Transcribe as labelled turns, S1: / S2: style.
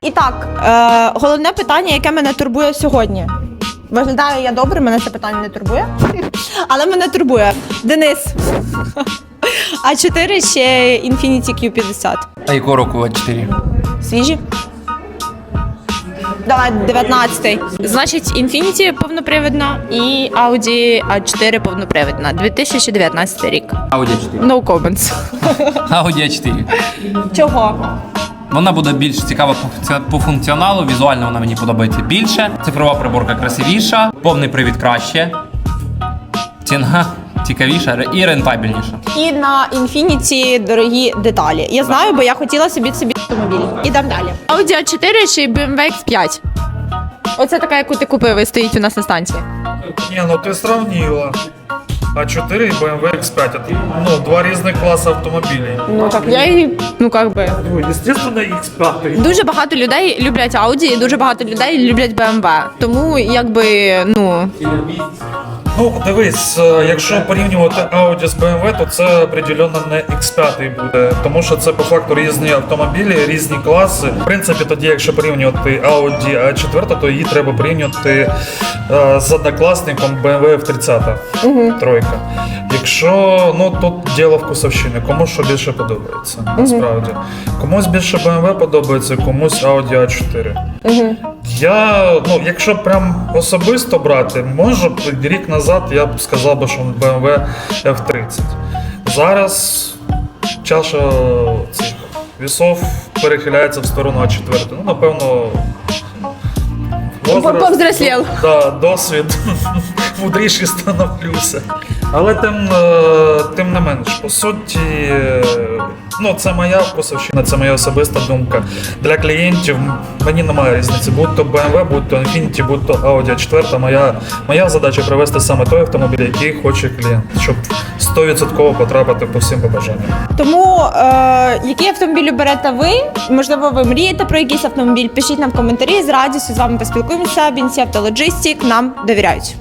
S1: І так, головне питання, яке мене турбує сьогодні. Виглядаю я добре, мене це питання не турбує. Але мене турбує. Денис. А4 ще Infiniti Q50.
S2: А якого року А4?
S1: Свіжі? Давай, 19-й. Значить, Infiniti повнопривідна і Audi A4 повнопривідна. 2019 рік.
S2: Audi A4.
S1: No comments.
S2: Audi A4.
S1: Чого?
S2: Вона буде більш цікава по функціоналу, візуально вона мені подобається більше. Цифрова приборка красивіша, повний привід краще. Ціна цікавіша і рентабельніша.
S1: І на Infiniti дорогі деталі. Я знаю, бо я хотіла собі автомобіль. Ідемо далі. Audi A4 чи BMW X5? Оце така, яку ти купив і стоїть у нас на станції.
S3: Не, ну ты сравнила. А4 и BMW X5. Это, ну, два разных класса автомобилей.
S1: Ну так я і,
S3: Ну, естественно, X5.
S1: Дуже багато людей люблять Audi і дуже багато людей люблять BMW. Тому,
S3: Ну, дивись, якщо порівнювати Audi з BMW, то це определенно не X5 буде, тому що це по факту різні автомобілі, різні класи. В принципі, тоді, якщо порівнювати Audi A4, то її треба порівнювати з однокласником BMW F30 тройка. Якщо, ну, тут діло вкусовщини, кому що більше подобається, насправді. Комусь більше BMW подобається, комусь Audi A4. Ну, якщо прям особисто брати, може б рік назад я б сказав би, що BMW F30. Зараз чаша цих весов перехиляється в сторону А4. Ну, напевно,
S1: повзрослів.
S3: Да, досвід, мудріший становлюся. Але тим не менш, по суті, ну, це моя вкусовщина, це моя особиста думка. Для клієнтів мені немає різниці. Будь то BMW, будь то Infiniti, будь то Audi A4. Моя задача привести саме той автомобіль, який хоче клієнт, щоб 100% потрапити по всім побажанням.
S1: Тому, який автомобіль берете ви? Можливо, ви мрієте про якийсь автомобіль? Пишіть нам в коментарі, з радістю з вами поспілкуємося. Бінці Автологістик нам довіряють.